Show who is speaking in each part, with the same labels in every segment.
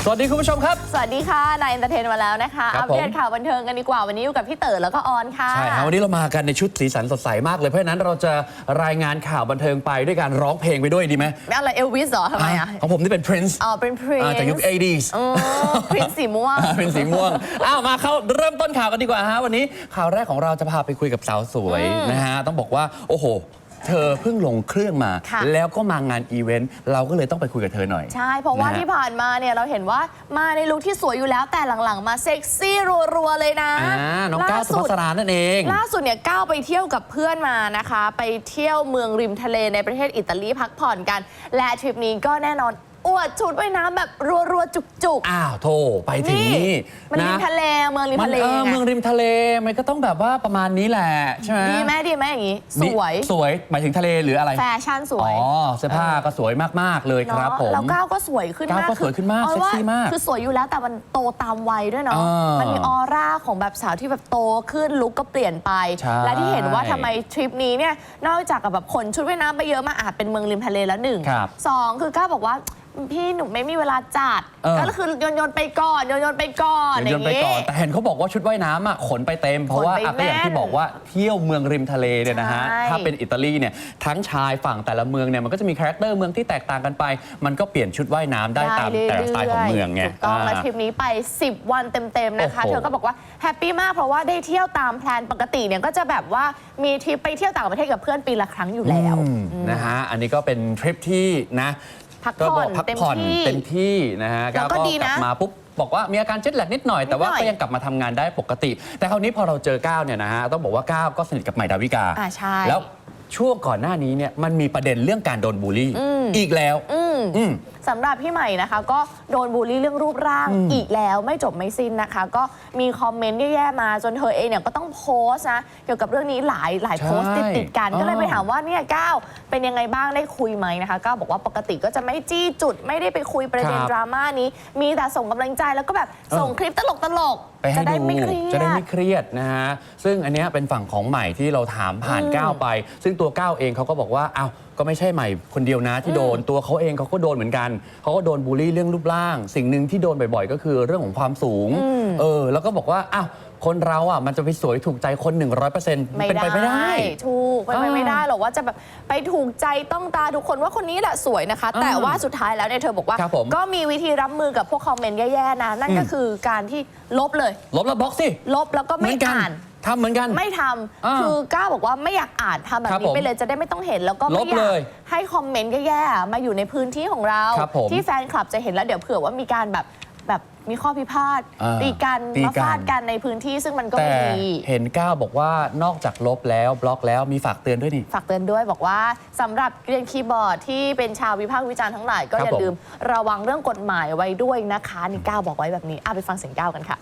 Speaker 1: วัสดีคุณผู้ชมครับ
Speaker 2: สวัสดีค่ะนายเอนเตอร์เทนมาแล้วนะคะอัปเดตข่าวบันเทิงกันดีกว่าวันนี้อยู่กับพี่เต๋อแล้วก็ออนค่ะ
Speaker 1: ใช่ครับวันนี้เรามากันในชุดสีสันสดใสมากเลยเพราะฉะนั้นเราจะรายงานข่าวบันเทิงไปด้วยการร้องเพลงไปด้วยดีไหม
Speaker 2: อะไรเอลวิสเหรอทำไมอ่ะ
Speaker 1: ของผมนี่เป็น Prince
Speaker 2: อ๋อเป็น Prince
Speaker 1: จากยุค 80s
Speaker 2: Prince สีม่วง
Speaker 1: เป็นสีม่วงมาเข้าเริ่มต้นข่าวกันดีกว่าฮะวันนี้ข่าวแรกของเราจะพาไปคุยกับสาวสวยนะฮะต้องบอกว่าโอ้โหเธอเพิ่งลงเครื่องมาแล้วก็มางานอีเวนต์เราก็เลยต้องไปคุยกับเธอหน่อย
Speaker 2: ใช่เพราะว่าที่ผ่านมาเนี่ยเราเห็นว่ามาในลุคที่สวยอยู่แล้วแต่หลังๆมาเซ็กซี่รัวๆเลยนะ
Speaker 1: น้องก้าวสุภัสรานั่นเอง
Speaker 2: ล่าสุดเนี่ยก้าวไปเที่ยวกับเพื่อนมานะคะไปเที่ยวเมืองริมทะเลในประเทศอิตาลีพักผ่อนกันและทริปนี้ก็แน่นอนอวดชุดว่ายน้ำแบบรัวๆจุก
Speaker 1: ๆโธ่ไปถึงนี่
Speaker 2: มันริมทะเลเมืองริมทะเล
Speaker 1: เมืองริมทะเลมันก็ต้องแบบว่าประมาณนี้แหละใช่ไหม
Speaker 2: ดีไหมอย่างนี้ส
Speaker 1: วยหมายถึงทะเลหรืออะไร
Speaker 2: แฟชั่นสวย
Speaker 1: เสื้อผ้าก็สวยมากๆเลยครับผม
Speaker 2: แล้วก้าวก็สวยขึ้นมาก
Speaker 1: เซ็กซี่มาก
Speaker 2: คือสวยอยู่แล้วแต่มันโตตามวัยด้วยเนาะมันมีออร่าของแบบสาวที่แบบโตขึ้นลุคก็เปลี่ยนไปและที่เห็นว่าทำไมทริปนี้เนี่ยนอกจากกับแบบขนชุดว่ายน้ำไปเยอะมาอาจเป็นเมืองริมทะเลแล้ว1 2คือก้าวบอกว่าพี่หนูไม่มีเวลาจัดก็คือโยนไปก่อนโยนไปก่อน
Speaker 1: แต่เห็นเขาบอกว่าชุดว่ายน้ำขนไปเต็มเพราะว่าก็อย่างที่บอกว่าเที่ยวเมืองริมทะเลเนี่ยนะฮะถ้าเป็นอิตาลีเนี่ยทั้งชายฝั่งแต่ละเมืองเนี่ยมันก็จะมีคาแรคเตอร์เมืองที่แตกต่างกันไปมันก็เปลี่ยนชุดว่ายน้ำได้ตามแต่ละสไตล์ของเมืองไง
Speaker 2: ถูกต้องและทริปนี้ไป10 วันเต็มๆนะคะเธอก็บอกว่าแฮปปี้มากเพราะว่าได้เที่ยวตามแพลนปกติเนี่ยก็จะแบบว่ามีทริปไปเที่ยวต่างประเทศกับเพื่อนปีละครั้งอยู่แล้ว
Speaker 1: นะฮะอันนี้ก็เป็นทริปที่นะ
Speaker 2: พักผ่อน
Speaker 1: เต็มที่นะฮะก็กลับมาปุ๊บบอกว่ามีอาการเจ็ตแลกนิดหน่อยแต่ว่าก็ยังกลับมาทำงานได้ปกติแต่คราวนี้พอเราเจอก้าวเนี่ยนะฮะต้องบอกว่าก้าวก็สนิทกับใหม่ดาวิกาแล้วช่วงก่อนหน้านี้เนี่ยมันมีประเด็นเรื่องการโดนบูลลี่อีกแล้ว
Speaker 2: สำหรับพี่ใหม่นะคะก็โดนบูลลี่เรื่องรูปร่างอีกแล้วไม่จบไม่สิ้นนะคะก็มีคอมเมนต์แย่ๆมาจนเธอเองเนี่ยก็ต้องโพสต์นะเกี่ยวกับเรื่องนี้หลายโพสต์ติดกันก็เลยไปถามว่าเนี่ยก้าวเป็นยังไงบ้างได้คุยไหมนะคะก้าวบอกว่าปกติก็จะไม่จี้จุดไม่ได้ไปคุยประเด็นดราม่านี้มีแต่ส่งกำลังใจแล้วก็แบบส่งคลิปตลก
Speaker 1: จะได้ไม่เครียดนะฮะซึ่งอันนี้เป็นฝั่งของใหม่ที่เราถามผ่านก้าวไปซึ่งตัวก้าวเองเขาก็บอกว่าอ้าวก็ไม่ใช่ใหม่คนเดียวนะที่โดนตัวเขาเองเขาก็โดนเหมือนกันเขาก็โดนบูลลี่เรื่องรูปร่างสิ่งหนึ่งที่โดนบ่อยๆก็คือเรื่องของความสูงแล้วก็บอกว่าอ้าวคนเราอ่ะมันจะไปสวยถูกใจคน 100% เป็นไปไม่ได้
Speaker 2: ถูกเป็นไปไม่ได้หรอกว่าจะแบบไปถูกใจต้องตาทุกคนว่าคนนี้แหละสวยนะคะแต่ว่าสุดท้ายแล้วเนี่ยเธอบอกว่าก็มีวิธีรับมือกับพวกคอมเมนต์แย่ๆนะนั่นก็คือการที่ลบเลย
Speaker 1: ลบแล้วบล็อกสิ
Speaker 2: ลบแล้วก็ไม่อ่าน
Speaker 1: ทำเหมือนกัน
Speaker 2: ไม่ทำคือก้าวบอกว่าไม่อยากอ่านทำแบบนี้ไปเลยจะได้ไม่ต้องเห็นแล้วก็ไม่อยากให้คอมเมนต์แย่ๆมาอยู่ในพื้นที่ของเราที่แฟนคลับจะเห็นแล้วเดี๋ยวเผื่อว่ามีการแบบมีข้อพิพาทตีกันมาฟาดกันในพื้นที่ซึ่งมันก็ไม่ดี
Speaker 1: เห็นก้าวบอกว่านอกจากลบแล้วบล็อกแล้วมีฝากเตือนด้วยนี่
Speaker 2: ฝากเตือนด้วยบอกว่าสำหรับเรียนคีย์บอร์ดที่เป็นชาววิพากษ์วิจารณ์ทั้งหลายก็อย่าลืมระวังเรื่องกฎหมายไว้ด้วยนะคะนี่ก้าวบอกไว้แบบนี้ไปฟังเสียงก้าวกันค่ะ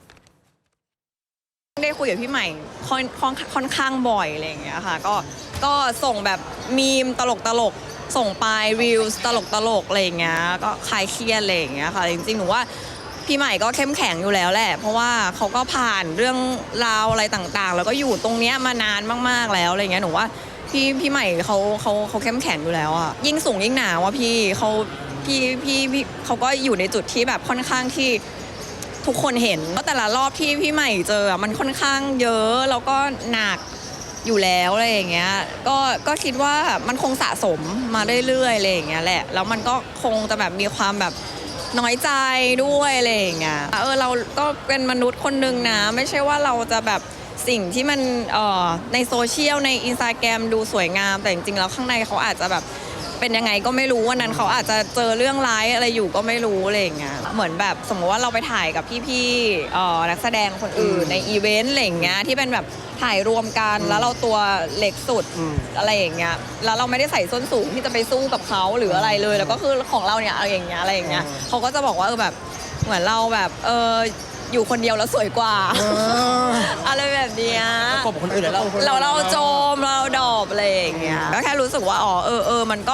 Speaker 3: ได้คุยกับพี่ใหม่ค่อนข้างบ่อยอะไรอย่างเงี้ยค่ะก็ส่งแบบมีมตลกส่งไปรีวิวตลกอะไรอย่างเงี้ยก็คลายเครียดอะไรอย่างเงี้ยค่ะจริงๆหนูว่าพี่ใหม่ก็เข้มแข็งอยู่แล้วแหละเพราะว่าเขาก็ผ่านเรื่องราวอะไรต่างๆแล้วก็อยู่ตรงเนี้ยมานานมากๆแล้วอะไรเงี้ยหนูว่าพี่ใหม่เขาเข้มแข็งอยู่แล้วอะยิ่งสูงยิ่งหนาวอะพี่เขาก็อยู่ในจุดที่แบบค่อนข้างที่ทุกคนเห็นว่าแต่ละรอบที่พี่ใหม่เจอมันค่อนข้างเยอะแล้วก็หนักอยู่แล้วอะไรอย่างเงี้ยก็คิดว่ามันคงสะสมมาเรื่อยๆอะไรอย่างเงี้ยแหละแล้วมันก็คงจะแบบมีความแบบน้อยใจด้วยอะไรอย่างเงี้ยเราก็เป็นมนุษย์คนนึงนะไม่ใช่ว่าเราจะแบบสิ่งที่มันในโซเชียลใน Instagram ดูสวยงามแต่จริงๆแล้วข้างในเขาอาจจะแบบเป็นยังไงก็ไม่รู้วันนั้นเขาอาจจะเจอเรื่องร้ายอะไรอยู่ก็ไม่รู้อะไรอย่างเงี้ยเหมือนแบบสมมติว่าเราไปถ่ายกับพี่ๆนักแสดงคนอื่นในอีเวนต์อะไรอย่างเงี้ยที่เป็นแบบถ่ายรวมกันแล้วเราตัวเล็กสุดอะไรอย่างเงี้ยแล้วเราไม่ได้ใส่ส้นสูงที่จะไปสู้กับเขาหรืออะไรเลยแล้วก็คือของเราเนี่ยอะไรอย่างเงี้ยเขาก็จะบอกว่าแบบเหมือนเราแบบอยู่คนเดียวแล้วสวยกว่าอะไรแบบเนี้ย
Speaker 1: กบคนอื่น
Speaker 3: เราโจมเราดอบอะไรอย่างเงี้ยก็แค่รู้สึกว่ามันก็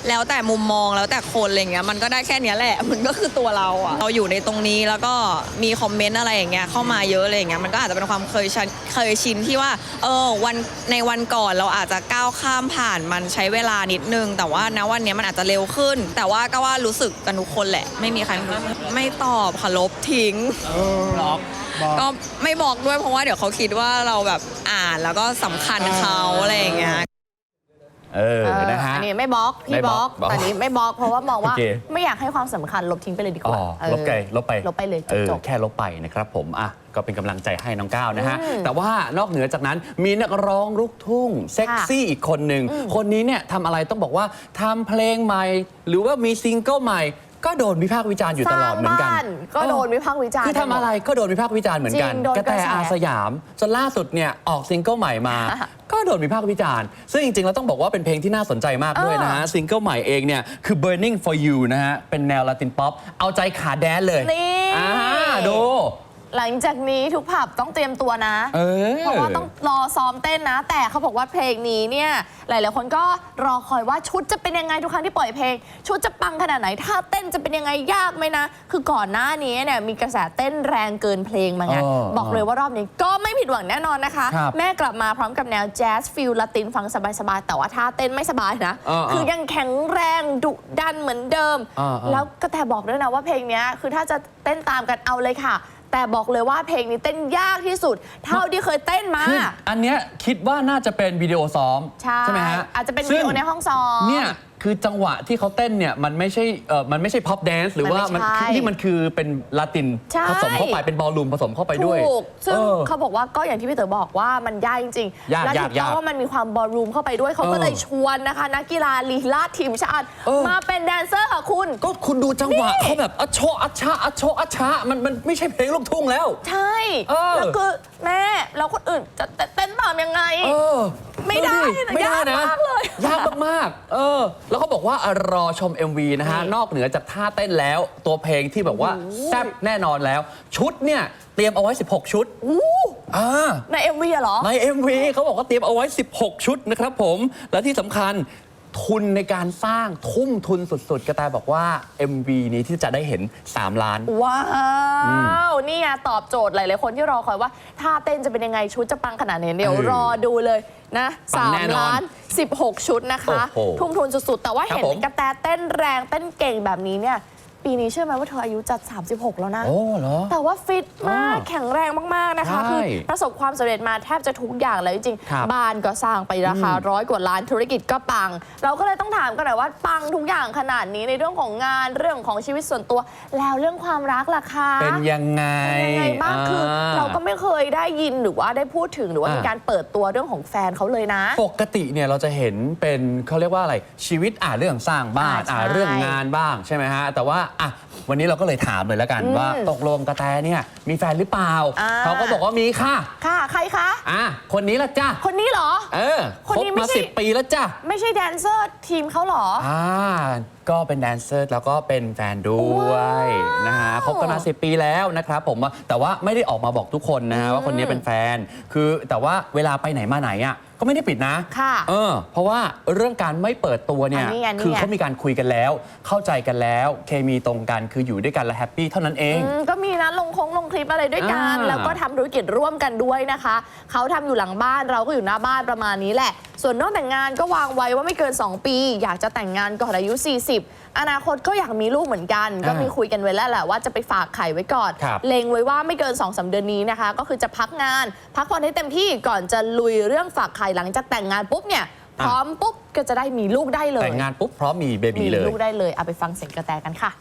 Speaker 3: แล้วแต่มุมมองแล้วแต่คนอะไรเงี้ยมันก็ได้แค่เนี้ยแหละ มันก็คือตัวเราอะเราอยู่ในตรงนี้แล้วก็มีคอมเมนต์อะไรอย่างเงี้ยเข้ามาเยอะอะไรอย่างเงี้ยมันก็อาจจะเป็นความเคยชินที่ว่าในวันก่อนเราอาจจะก้าวข้ามผ่านมันใช้เวลานิดนึงแต่ว่าณวันเนี้ยมันอาจจะเร็วขึ้น แต่ว่าก็ว่ารู้สึกกันทุกคนแหละไม่มีใครไม่ตอบค่ะลบทิ้ง ก็ไม่บอกด้วยเพราะว่าเดี๋ยวเขาคิดว่าเราแบบอ่านแล้วก็สำคัญเขาอะไรอย่างเงี้ย
Speaker 1: นะฮะ
Speaker 2: อันนี้ไม่บล็อกพี่บล็อกแต่นี้ไม่บล็อกเพราะว่ามองว่า
Speaker 1: โอเค
Speaker 2: ไม่อยากให้ความสำคัญลบทิ้งไปเลยดีกว่า
Speaker 1: ลบไปลบไป
Speaker 2: เลยจบ
Speaker 1: แค่ลบไปนะครับผมก็เป็นกำลังใจให้น้องก้าวนะฮะแต่ว่านอกเหนือจากนั้นมีนักร้องลูกทุ่งเซ็กซี่อีกคนหนึ่งคนนี้เนี่ยทำอะไรต้องบอกว่าทำเพลงใหม่หรือว่ามีซิงเกิลใหม่ก็โดนวิพากษ์วิจารณ์อยู่ตลอดเหมือนกัน
Speaker 2: ก็โดนวิพากษ์วิจารณ์
Speaker 1: คือทำอะไรก็โดนวิพากษ์วิจารณ์เหมือนกันกระแตอาสยามจนล่าสุดเนี่ยออกซิงเกิลใหม่มา ก็โดนวิพากษ์วิจารณ์ซึ่งจริงๆเราต้องบอกว่าเป็นเพลงที่น่าสนใจมากด้วยนะฮะซิงเกิลใหม่เองเนี่ยคือ Burning for You นะฮะเป็นแนวลาตินป๊อปเอาใจขาแดนเลยดู
Speaker 2: หลังจากนี้ทุกผับต้องเตรียมตัวนะเพราะว่าต้องรอซ้อมเต้นนะ แต่เขาบอกว่าเพลงนี้เนี่ยหลายๆคนก็รอคอยว่าชุดจะเป็นยังไงทุกครั้งที่ปล่อยเพลงชุดจะปังขนาดไหนท่าเต้นจะเป็นยังไงยากไหมนะคือก่อนหน้านี้เนี่ยมีกระแสเต้นแรงเกินเพลงมาไงบอกเลยว่ารอบนี้ก็ไม่ผิดหวังแน่นอนนะคะแม่กลับมาพร้อมกับแนวแจ๊สฟิลลาตินฟังสบายๆแต่ว่าท่าเต้นไม่สบายนะคือยังแข็งแรงดุดันเหมือนเดิมแล้วก็แต่บอกด้วยนะว่าเพลงนี้คือถ้าจะเต้นตามกันเอาเลยค่ะแต่บอกเลยว่าเพลงนี้เต้นยากที่สุดเท่าที่เคยเต้นมา
Speaker 1: อันเนี้ยคิดว่าน่าจะเป็นวิดีโอซ้อมใช่ไหมฮะ
Speaker 2: อาจจะเป็นวิดีโอในห้องซ้อม
Speaker 1: เนี่ยคือจังหวะที่เขาเต้นเนี่ยมันไม่ใช่พ็อปแดนซ์หรือว่ามันคือเป็นลาตินผสมเข้าไปเป็นบอลลูมผสมเข้าไปด้วย
Speaker 2: ถูกซึ่งเขาบอกว่าก็อย่างที่พี่เต๋อบอกว่ามันยากจริงๆและถูกต้องว่ามันมีความบอลลูมเข้าไปด้วยเขาก็เลยชวนนะคะนักกีฬาลีลาดทีมชาติมาเป็นแดนเซอร์ค่ะคุณ
Speaker 1: ดูจังหวะเขาแบบอัชโชอัชชะอัชโชอัชชะมันไม่ใช่เพลงลูกทุ่งแล้ว
Speaker 2: ใช่แล้วคือแม่แล้วคนอื่นจะเต้นตามยังไงไม่ได้ยากมากเลย
Speaker 1: ยากมากแล้วเขาบอกว่ารอชม MV นะฮะนอกเหนือจากท่าเต้นแล้วตัวเพลงที่แบบว่าแซ่บแน่นอนแล้วชุดเนี่ยเตรียมเอาไว้16ชุด
Speaker 2: ใน MV เหรอ
Speaker 1: ใน MV เขาบอกว่าเตรียมเอาไว้16ชุดนะครับผมและที่สำคัญทุนในการสร้างทุ่มทุนสุดๆกระแตบอกว่า MV นี้ที่จะได้เห็น3 ล้าน
Speaker 2: ว้าวนี่ไงตอบโจทย์หลายๆคนที่รอคอยว่าท่าเต้นจะเป็นยังไงชุดจะปังขนาดไหนเดี๋ยวรอดูเลยนะ3 ล้าน 16 ชุดนะคะทุ่มทุนสุดๆแต่ว่าเห็นกระแตเต้นแรงเต้นเก่งแบบนี้เนี่ยปีนี้เชื่อไหมว่าเธออายุจัด36แล้วนะแต่ว่าฟิตมากแข็งแรงมากๆนะคะคือประสบความสำเร็จมาแทบจะทุกอย่างเลยจริงๆบ้านก็สร้างไปราคา100 กว่าล้านธุรกิจก็ปังเราก็เลยต้องถามกันหน่อยว่าปังทุกอย่างขนาดนี้ในเรื่องของงานเรื่องของชีวิตส่วนตัวแล้วเรื่องความรักล่ะคะ
Speaker 1: เป็นยังไง
Speaker 2: บ้างคือเราก็ไม่เคยได้ยินหรือว่าได้พูดถึงหรือว่ามีการเปิดตัวเรื่องของแฟนเขาเลยนะ
Speaker 1: ปกติเนี่ยเราจะเห็นเป็นเขาเรียกว่าอะไรชีวิตเรื่องสร้างบ้านเรื่องงานบ้างใช่ไหมฮะแต่ว่าวันนี้เราก็เลยถามเลยแล้วกันว่าตกลงกระแตเนี่ยมีแฟนหรือเปล่าเขาก็บอกว่ามีค่ะ
Speaker 2: ใครคะ
Speaker 1: คนนี้ละจ้ะ
Speaker 2: คนนี้เหรอ
Speaker 1: คบมา10 ปีแล้วจ้ะ
Speaker 2: ไม่ใช่แดนเซอร์ทีมเขาเหรอ
Speaker 1: ก็เป็นแดนเซอร์แล้วก็เป็นแฟนด้วยนะฮะคบกันมา10 ปีแล้วนะครับผมแต่ว่าไม่ได้ออกมาบอกทุกคนนะว่าคนนี้เป็นแฟนคือแต่ว่าเวลาไปไหนมาไหนก็ไม่ได้ปิดนะเพราะว่าเรื่องการไม่เปิดตัวเนี่ยคือเขามีการคุยกันแล้วเข้าใจกันแล้วเคมีตรงกันคืออยู่ด้วยกันและแฮปปี้เท่านั้นเอง
Speaker 2: ก็มีนะลงคลิปอะไรด้วยกันแล้วก็ทำธุรกิจร่วมกันด้วยนะคะเขาทำอยู่หลังบ้านเราก็อยู่หน้าบ้านประมาณนี้แหละส่วนน้องแต่งงานก็วางไว้ว่าไม่เกิน2 ปีอยากจะแต่งงานก่อนอายุ40อนาคตก็อยากมีลูกเหมือนกันก็มีคุยกันไว้แล้วแหละว่าจะไปฝากไข่ไว้ก่อนเล็งไว้ว่าไม่เกิน 2-3 เดือนนี้นะคะก็คือจะพักงานพักผ่อนให้เต็มที่ก่อนจะลุยเรื่องฝากไข่หลังจากแต่งงานปุ๊บเนี่ยพร้อมปุ๊บก็จะได้มีลูกได้เลย
Speaker 1: แต่งงานปุ๊บพร้อมมีเบบีเลย
Speaker 2: มีลูกได้เลยเอาไปฟังเสียงกระแตกันค่ะ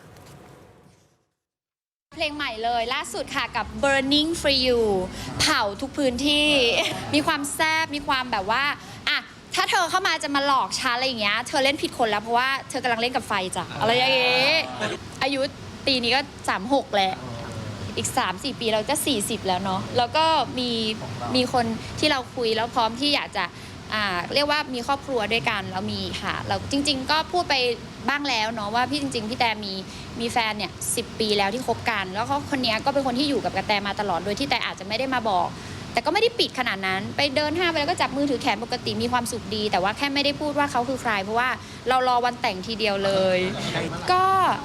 Speaker 4: เพลงใหม่เลยล่าสุดค่ะกับ Burning for You เผาทุกพื้นที่มีความแซ่บมีความแบบว่าถ้าเธอเข้ามาจะมาหลอกฉันอะไรอย่างเงี้ยเธอเล่นผิดคนแล้วเพราะว่าเธอกำลังเล่นกับไฟจ้ะอะไรอย่างเงี้ยอายุปีนี้ก็36แล้วอีก 3-4 ปีเราจะ40แล้วเนาะแล้วก็มีคนที่เราคุยแล้วพร้อมที่อยากจะเรียกว่ามีครอบครัวด้วยกันแล้วมีค่ะเราจริงๆก็พูดไปบ้างแล้วเนาะว่าพี่จริงๆพี่แต่มีแฟนเนี่ย10 ปีแล้วที่คบกันแล้วเขาคนนี้ก็เป็นคนที่อยู่กับกระแตมาตลอดโดยที่แต่อาจจะไม่ได้มาบอกแต่ก็ไม่ได้ปิดขนาดนั้นไปเดินห้างไปแล้วก็จับมือถือแขนปกติมีความสุขดี แต่ว่าแค่ไม่ได้พูดว่าเขาคือใครเพราะว่าเรารอวันแต่งทีเดียวเลย ก็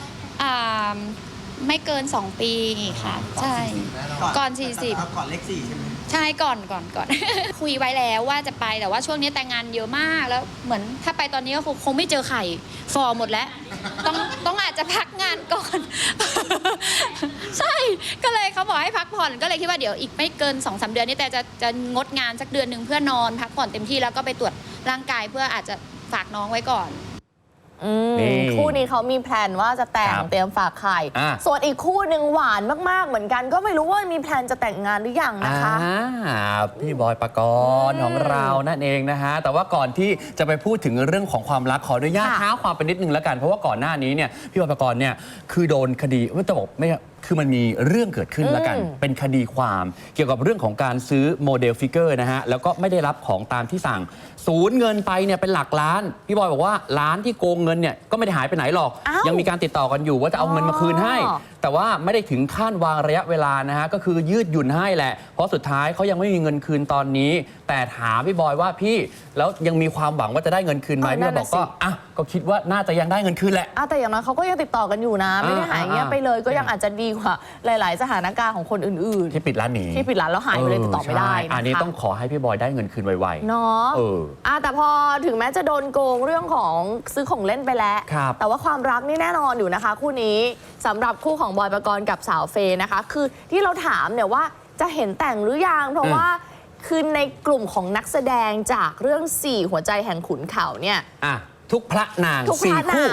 Speaker 4: ไม่เกิน 2 ปีค่ะใช่ก่อน 40
Speaker 5: ก่อนเลข 4 ใช่ไหม
Speaker 4: ใช่ก่อน คุยไว้แล้วว่าจะไปแต่ว่าช่วงนี้แต่งงานเยอะมากแล้วเหมือนถ้าไปตอนนี้ก็คงไม่เจอไข่ฟอร์หมดแล้วต้องอาจจะพักงานก่อน ใช่ก็เลยเขาบอกให้พักผ่อนก็เลยคิดว่าเดี๋ยวอีกไม่เกิน 2-3 เดือนนี้แต่จะงดงานสักเดือนหนึ่งเพื่อนอนพักผ่อนเต็มที่แล้วก็ไปตรวจร่างกายเพื่ออาจจะฝากน้องไว้ก่อน
Speaker 1: นี่
Speaker 2: คู่นี้เขามีแพลนว่าจะแต่ง
Speaker 1: ครับ
Speaker 2: เตรียมฝากไข่ ส่วนอีกคู่หนึ่งหวานมากๆเหมือนกันก็ไม่รู้ว่ามีแพลนจะแต่งงานหรือยังนะคะ
Speaker 1: พี่บอยปกรณ์ของเรานั่นเองนะฮะแต่ว่าก่อนที่จะไปพูดถึงเรื่องของความรักขออนุญาต
Speaker 2: ค่ะ
Speaker 1: เท้าความไปนิดนึงแล้วกันเพราะว่าก่อนหน้านี้เนี่ยพี่บอยปกรณ์เนี่ยคือโดนคดีไม่จะบอกไม่คือมันมีเรื่องเกิดขึ้นแล้วกัน เป็นคดีความเกี่ยวกับเรื่องของการซื้อโมเดลฟิกเกอร์นะฮะแล้วก็ไม่ได้รับของตามที่สั่งสูญเงินไปเนี่ยเป็นหลักล้านพี่บอยบอกว่าร้านที่โกงเงินเนี่ยก็ไม่ได้หายไปไหนหรอก
Speaker 2: อ้าว
Speaker 1: ยังมีการติดต่อกันอยู่ว่าจะเอาเงินมาคืนให้
Speaker 2: อ๋อ
Speaker 1: แต่ว่าไม่ได้ถึงขั้นวางระยะเวลานะฮะก็คือยืดหยุ่นให้แหละเพราะสุดท้ายเขายังไม่มีเงินคืนตอนนี้ แต่ถามพี่บอยว่าพี่แล้วยังมีความหวังว่าจะได้เงินคืนไหมพี่บอยบอกก็อ่ะก็คิดว่าน่าจะยังได้เงินคืนแหละ
Speaker 2: แต่อย่างน้อยเขาก็ยังติดต่อกันอยู่นะ ไม่ได้หายเงียบไปเลยก็ยังอาจจะดีกว่าหลาย ๆ สถานการณ์ของคนอื่น
Speaker 1: ที่ปิดร้านหนี
Speaker 2: ๆ ที่ปิดร้านแล้วหายไปเลยติดต่อไม่ได้
Speaker 1: ใช่
Speaker 2: นะคะ
Speaker 1: อันนี้ต้องขอให้พี่บอยได้เงินคืนไวๆ
Speaker 2: เนาะ
Speaker 1: เออ
Speaker 2: แต่พอถึงแม้จะโดนโกงเรื่องของซื้อของเล่นไปแล้ว
Speaker 1: ครับ
Speaker 2: แต่ว่าความรักนี่แน่นอนอยู่นะคะ คู่นี้สำหรับคู่ของบอยปกรณ์กับสาวเฟย์นะคะ คือที่เราถามเนี่ยว่าจะเห็นแต่งหรือยังเพราะว่าคือในกลุ่มของนักแสดงจากเรื่อง 4 หัวใจแห่งขุนเขาเนี่ย
Speaker 1: อ่ะทุกพระนาง
Speaker 2: ทุกพระ
Speaker 1: 4 คู่
Speaker 2: นาง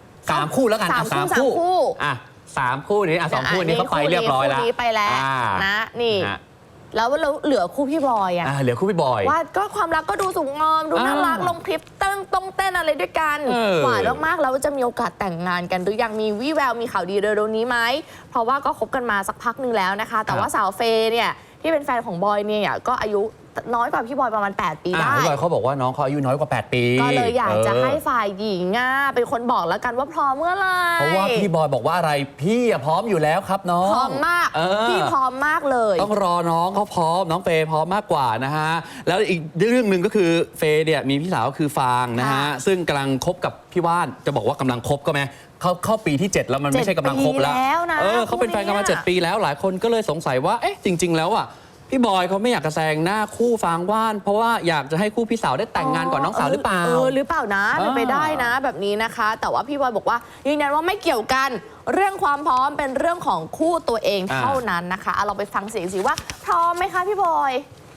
Speaker 1: 3 คู่แล้วกันอ่ะ
Speaker 2: สามคู่
Speaker 1: อ่ะ3 คู่นี้อ่ะ2 คู่นี้เขาไปเรียบร้อยแล้ว
Speaker 2: คู่นี้ไปแล้ว
Speaker 1: อ่า
Speaker 2: นะนี่
Speaker 1: นะ
Speaker 2: แล้วเหลือคู่พี่บอยอะ
Speaker 1: เหลือคู่พี่บอย
Speaker 2: ว่าก็ความรักก็ดูสูงงอมดูน่ารักลงคลิปเต้นต้องเต้นอะไรด้วยกัน
Speaker 1: เออ
Speaker 2: หวานมากๆแล้วจะมีโอกาสแต่งงานกันหรือยังมีวี่แววมีข่าวดีเร็วๆนี้ไหมเพราะว่าก็คบกันมาสักพักหนึ่งแล้วนะคะ แต่ว่าสาวเฟย์เนี่ยที่เป็นแฟนของบอยเนี่ยก็อายุน้อยกว่าพี่บอยประมาณ 8 ปีได้
Speaker 1: พี่บอยเขาบอกว่าน้องเขาอายุน้อยกว่า 8 ปี
Speaker 2: ก็เลยอยากจะให้ฝ่ายหญิงเป็นคนบอกแล้วกันว่าพร้อมเมื่อไหร่
Speaker 1: เพราะว่าพี่บอยบอกว่าอะไรพี่อะพร้อมอยู่แล้วครับน้อง
Speaker 2: พร้อมมาก
Speaker 1: เออ
Speaker 2: พี่พร้อมมากเลย
Speaker 1: ต้องรอน้องเขาพร้อมน้องเฟย์พร้อมมากกว่านะฮะแล้วอีกเรื่องหนึ่งก็คือเฟย์เนี่ยมีพี่สาวก็คือฟางนะฮะ
Speaker 2: ค่ะ
Speaker 1: ซึ่งกำลังคบกับพี่ว่านจะบอกว่ากำลังคบก็ไหมเข้าปีที่ 7 แล้วมันไม่ใช่กำลังคบแล้ว
Speaker 2: 7 ปีแล้วนะ
Speaker 1: เขาเป็นแฟนกันมา
Speaker 2: คู่เนี้ย
Speaker 1: 7 ปีแล้วหลายคนก็เลยสงสัยว่าเอ๊ะจริง ๆ แล้วอ่ะพี่บอยเขาไม่อยากจะแซงหน้าคู่ฟางว่าน เพราะว่าอยากจะให้คู่พี่สาวได้แต่งงานก่อนน้องสาวหรือเปล่า
Speaker 2: หรือเปล่านะเป็นไปได้นะแบบนี้นะคะ แต่ว่าพี่บอยบอกว่ายืนยันว่าไม่เกี่ยวกันเรื่องความพร้อมเป็นเรื่องของคู่ตัวเองเท่านั้นนะคะเราไปฟังเสียงสิว่าพร้อมไหมคะพี่บอย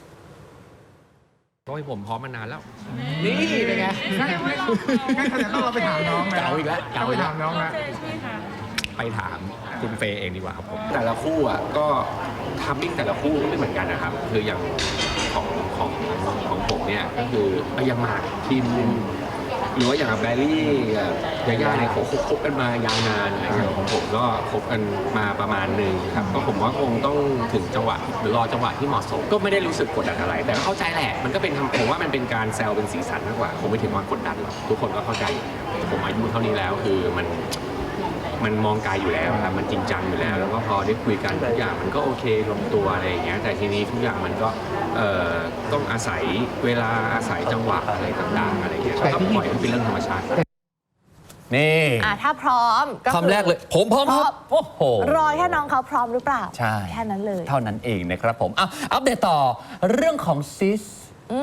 Speaker 6: ก็ให้ผมพร้อมมานานแล้ว
Speaker 1: นี่เป็นไง
Speaker 5: งั้นแสดงต้องเราไปถามน้องนะ
Speaker 1: เก่าอีกแล้ว
Speaker 5: ต้องไปถามน้องนะ
Speaker 6: ไปถามคุณเฟย์เองดีกว่าครับผม แต่ละคู่อ่ะก็ทัมมิ่งแต่ละคู่ก็ไม่เหมือนกันนะครับ คืออย่างของผมเนี่ยก็คือยังหมากทีมหรือว่าอย่างแบรี่กับยาย่าเนี่ยเขาคบกันมายาวนานอะไรอย่างของผมก็คบกันมาประมาณหนึ่งครับก็ผมว่าคงต้องถึงจังหวะหรือรอจังหวะที่เหมาะสม ก็ไม่ได้รู้สึกกดดันอะไร แต่ก็เข้าใจแหละมันก็เป็นผมว่ามันเป็นการแซวเป็นสีสันมากกว่าคงไม่ถึงว่ากดดันหรอกทุกคนก็เข้าใจผมอายุเท่านี้แล้วคือมันมองไกลอยู่แล้วครับมันจริงจังอยู่แล้วแล้วก็พอได้คุยกันทุกอย่างมันก็โอเคลงตัวอะไรอย่างเงี้ยแต่ทีนี้ทุกอย่างมันก็ต้องอาศัยเวลาอาศัยจังหวะอะไรต่างๆอะไรอย่างเงี้ยก็ปล่อยให้เป็นเรื่องธรรมชาติ
Speaker 1: นี่
Speaker 2: ถ้าพร้อมก็
Speaker 1: คำแรกเลยผมพร้อมครับโอ้โห
Speaker 2: รอแค่น้องเขาพร้อมหรือเปล่า
Speaker 1: ใช่
Speaker 2: แค่นั้นเลย
Speaker 1: เท่านั้นเองนะครับผมอัปเดตต่อเรื่องของซิส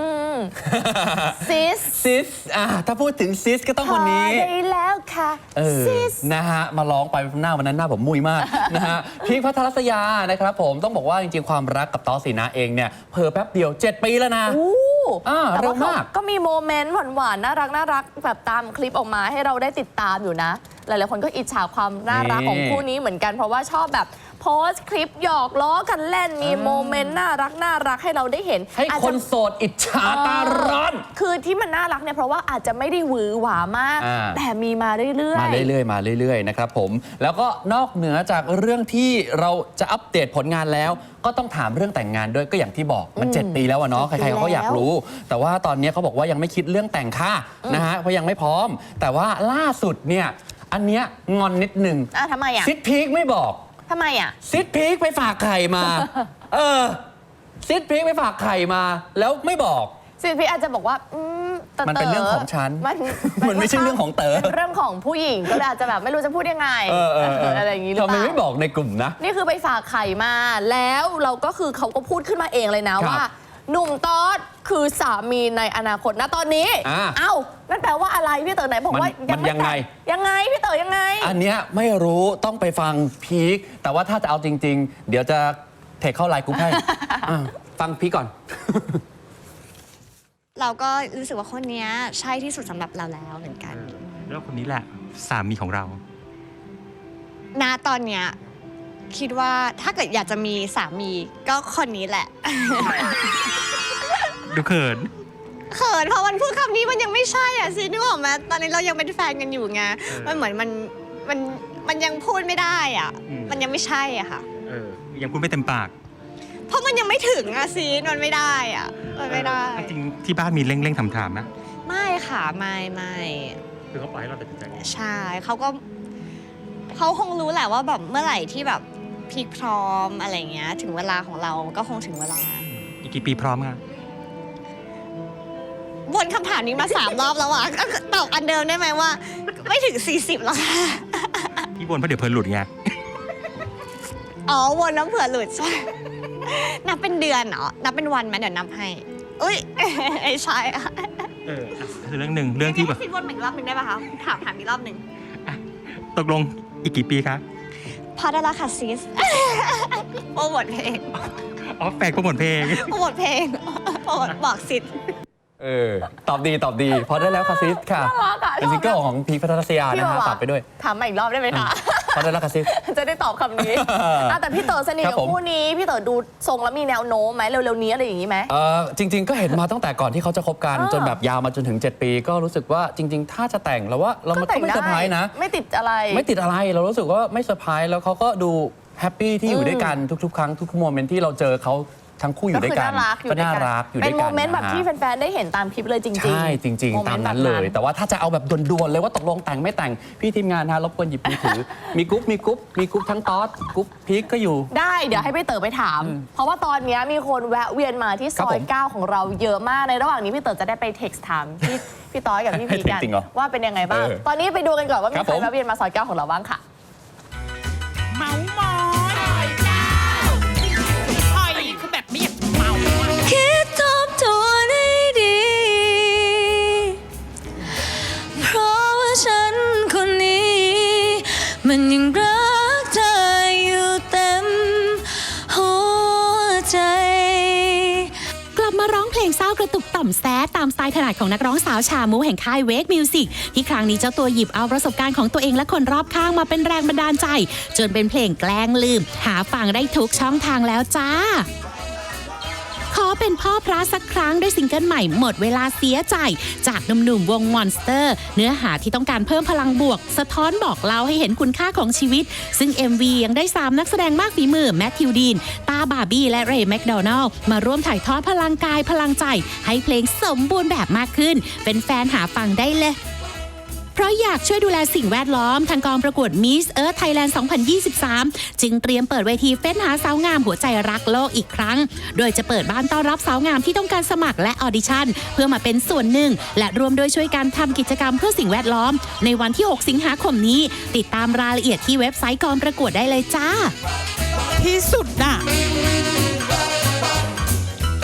Speaker 2: ซิส
Speaker 1: ซิสถ้าพูดถึงซิสก็ต้องคนนี้
Speaker 2: พอได้แล้วค่ะซิส
Speaker 1: นะฮะมาร้องไปหน้าวันนั้นหน้าผมมุยมาก นะฮะพีคพัทรศยานะครับผมต้องบอกว่าจริงๆความรักกับตอสีนาเองเนี่ยเพิ่แป๊บเดียว 7 ปีแล้วนะ
Speaker 2: แต่
Speaker 1: เร็
Speaker 2: ว่าว
Speaker 1: มาก
Speaker 2: ก็มีโมเมนต์หวานๆน่ารักแบบตามคลิปออกมาให้เราได้ติดตามอยู่นะ หลายๆคนก็อิจฉาความน่ารักของคู่นี้เหมือนกันเพราะว่าชอบแบบโพสต์คลิปหยอกล้อกันเล่นมีโมเมนต์น่ารักให้เราได้เห็น
Speaker 1: ให้
Speaker 2: อาจ
Speaker 1: ค
Speaker 2: จะ
Speaker 1: นโสดอิจฉาตาร้อน
Speaker 2: คือที่มันน่ารักเนี่ยเพราะว่าอาจจะไม่ได้หวือหวามาก แต่มีมาเรื่อยๆ
Speaker 1: มาเรื่อยๆนะครับผมแล้วก็นอกเหนือจากเรื่องที่เราจะอัปเดตผลงานแล้วก็ต้องถามเรื่องแต่งงานด้วยก็อย่างที่บอกมัน 7 ปีแล้วอะเนาะใครๆเขาก็อยากรู้ แต่ว่าตอนนี้เขาบอกว่ายังไม่คิดเรื่องแต่งค่ะนะฮะเพราะยังไม่พร้อม แต่ว่าล่าสุดเนี่ยอันเนี้ยงอนนิดนึง
Speaker 2: ทำไมอ่ะ
Speaker 1: ซิดพีคไม่บอก
Speaker 2: ทำไมอ่ะ
Speaker 1: ซิดพีคไปฝากไข่มา เออซิดพริกไปฝากไข่มาแล้วไม่บอก
Speaker 2: ซิดพี่อาจจะบอกว่าแต่
Speaker 1: มันเป็นเรื่องของฉัน
Speaker 2: มัน
Speaker 1: มันไม่ใช่เรื่องของเต๋อ
Speaker 2: เป็นเรื่องของผู้หญิงก็เลยอาจจะแบบไม่รู้จะพูดยังไงอะไรอย่างนี้หรือ
Speaker 1: ทำ
Speaker 2: เป
Speaker 1: ไม
Speaker 2: ล่า
Speaker 1: ไม่บอกในกลุ่มนะ
Speaker 2: นี่คือไปฝากไข่มาแล้วเราก็คือเขาก็พูดขึ้นมาเองเลยนะครับ ว่าหนุ่มตอดคือสามีในอนาคตนะตอนนี้ เอ้านั่นแปลว่าอะไรพี่เต๋อไหนบอกว่า
Speaker 1: มันยังไง
Speaker 2: ยังไงพี่เต๋อยังไง
Speaker 1: อันเนี้ยไม่รู้ต้องไปฟังพีคแต่ว่าถ้าจะเอาจริง ๆ เดี๋ยวจะเทคเข้าไลน์กรุ๊ปให้ ฟังพีคก่อน
Speaker 7: เราก็รู้สึกว่าคนเนี้ยใช่ที่สุดสำหรับเราแล้วเหมือนกัน
Speaker 8: แล้วคนนี้แหละสามีของเรา
Speaker 7: ณตอนเนี้ยคิดว่าถ้าเกิดอยากจะมีสามีก็คนนี้แหละ
Speaker 8: ดูเขิน
Speaker 7: เขินเพราะวันพูดคำนี้มันยังไม่ใช่อ่ะซินึกออกไหมตอนนี้เรายังเป็นแฟนกันอยู่ไงมันเหมือนมันยังพูดไม่ได้อ่ะ มันยังไม่ใช่อ่ะค่ะ
Speaker 8: ยังพูดไม่เต็มปาก
Speaker 7: เพราะมันยังไม่ถึงอ่ะซีนมันไม่ได้อ่ะมันไม่ได้
Speaker 8: จริงๆที่บ้านมีเร่งๆถามๆนะ
Speaker 7: ไม่ค่ะไม่
Speaker 8: คือเขาปล่อยให้เราตัดสินใจเอง
Speaker 7: ใช่เขาคงรู้แหละว่าแบบเมื่อไหร่ที่แบบพีคพร้อมอะไรเงี้ยถึงเวลาของเราก็คงถึงเวลา
Speaker 8: อีกกี่ปีพร้อมคะ
Speaker 7: วนคำถามนี้มา 3 รอบแล้วอ่ะก็ตอบอันเดิมได้ไหมว่า ไม่ถึง 40หรอกค่ะ
Speaker 8: พี่บนเพราะเดี๋ยวเพลินหลุดไง
Speaker 7: อ๋อวนน้ำเผื่อหลุดใช่นับเป็นเดือนเหรอนับเป็นวันไหมเดี๋ยวนับให้อุ้ยไม่ใช่อะ
Speaker 8: คือเรื่องหนึ่งเรื่องที่แบบ
Speaker 7: ซิวนอีกรอบหนึ่งได้ป่ะคะถามอีกรอบหนึ่ง
Speaker 8: ตกลงอีกกี่ปีคะ
Speaker 7: พอได้ละค่ะซิสโปรโมทเพลง
Speaker 8: อ๋อแฟนโปรโมทเพลง
Speaker 7: โปรโมทเพลงโปรโมทบอกซิส
Speaker 1: ตอบดีพอได้แล้วคาซิสค่ะ
Speaker 2: น่ารักอะ
Speaker 1: เป็นซิงเกิลของพีคพัทรศยา
Speaker 2: พี่
Speaker 1: นะ
Speaker 2: บอก
Speaker 1: ฮะ
Speaker 2: ว่า
Speaker 1: ฝากไปด้วย
Speaker 2: ถามมาอีกรอบได้ไหมคะ
Speaker 1: พอได้แล้วคาซิส
Speaker 2: จะได้ตอบคำนี้ แต่พี่เต๋อสนิท
Speaker 1: ครั
Speaker 2: กั
Speaker 1: บบ ผม
Speaker 2: คู่นี้พี่เต๋อดูทรงแล้วมีแนวโน้มไหมเร็วๆนี้อะไรอย่างนี้ไหม
Speaker 1: จริง ๆ ก็เห็นมาตั้งแต่ก่อนที่เขาจะคบกัน จนแบบยาวมาจนถึง 7 ปี ก็รู้สึกว่าจริง ๆ ถ้าจะแต่งเราว่าเรามันก็ไม่เซอร์ไพรส์นะ
Speaker 2: ไม่ติดอะไร
Speaker 1: ไม่ติดอะไรเรารู้สึกว่าไม่เซอร์ไพรส์แล้วเขาก็ดูแฮปปี้ที่อยู่ด้วยกันทุกๆ ครั้งทุกโมเมนต์ที่เราเจอเขาทั้งคู่อยู่ด้วยกัน
Speaker 2: ก็น่ารักอยู่
Speaker 1: ด้
Speaker 2: เป็
Speaker 1: วน ย
Speaker 2: โม
Speaker 1: กัน
Speaker 2: เมนต์แบบ
Speaker 1: ะฮะ
Speaker 2: ที่แฟนๆได้เห็นตามคลิปเลยจริงๆ
Speaker 1: ใช่จริง
Speaker 2: โ
Speaker 1: ๆ ตามนั้นเลย แต่ว่าถ้าจะเอาแบบด่วนๆเลยว่าตกลงแต่งไม่แต่งพี่ทีมงานฮะรบกวนหยิบมือถือ มีกรุ๊ปทั้งต๊อดกรุ๊ปพีคก็อยู่
Speaker 2: ได้เดี๋ยวให้พี่เต๋อไปถาม เพราะว่าตอนนี้มีคนแวะเวียนมาที่ซ
Speaker 1: ครับ
Speaker 2: อ
Speaker 1: ผ
Speaker 2: ย
Speaker 1: ม
Speaker 2: 9ของเราเยอะมากในระหว่างนี้พี่เต๋อจะได้ไปเท็กซ์ถามพี่ต้อยกับพี่พีกัน
Speaker 1: ให้ text จริงเหรอ
Speaker 2: ว่าเป็นยังไงบ้าง ตอนนี้ไปดูกันก่อนว่ามี
Speaker 1: ครับ
Speaker 2: ใคร
Speaker 1: ผม
Speaker 2: แวะเวียนมาซอย9ของเราบ้างค่ะ
Speaker 9: เมาหมอยหอยคือแบบไม่อยากเมาอะ
Speaker 7: คิดทบทวนให้ดี เพราะว่าฉันคนนี้ มันยังรักเธออยู่เต็มหัวใจ
Speaker 10: กลับมาร้องเพลงเศร้ากระตุกต่อมแซดตามสไตล์ถนัดของนักร้องสาวชามูแห่งค่ายเวกมิวสิกที่ครั้งนี้เจ้าตัวหยิบเอาประสบการณ์ของตัวเองและคนรอบข้างมาเป็นแรงบันดาลใจ จนเป็นเพลงแกล้งลืม หาฟังได้ทุกช่องทางแล้วจ้า ขอเป็นพ่อพระสักครั้งด้วยซิงเกิลใหม่หมดเวลาเสียใจ จากหนุ่มๆวงมอนสเตอร์เนื้อหาที่ต้องการเพิ่มพลังบวก สะท้อนบอกเล่าให้เห็นคุณค่าของชีวิต ซึ่ง MV ยังได้ 3 นักแสดงมากฝีมือแมทธิวดีนตาบาร์บี้และเรย์แมคโดนัลล์มาร่วมถ่ายทอดพลังกายพลังใจ ให้เพลงสมบูรณ์แบบมากขึ้น เป็นแฟนหาฟังได้เลยเพราะอยากช่วยดูแลสิ่งแวดล้อมทางกองประกวด Miss Earth Thailand 2023 จึงเตรียมเปิดเวทีเฟ้นหาสาวงามหัวใจรักโลกอีกครั้ง โดยจะเปิดบ้านต้อนรับสาวงามที่ต้องการสมัครและออดิชั่นเพื่อมาเป็นส่วนหนึ่ง และรวมโดยช่วยกันทำกิจกรรมเพื่อสิ่งแวดล้อม ในวันที่ 6 สิงหาคมนี้ ติดตามรายละเอียดที่เว็บไซต์กองประกวดได้เลยจ้า
Speaker 9: ที่สุดน่ะ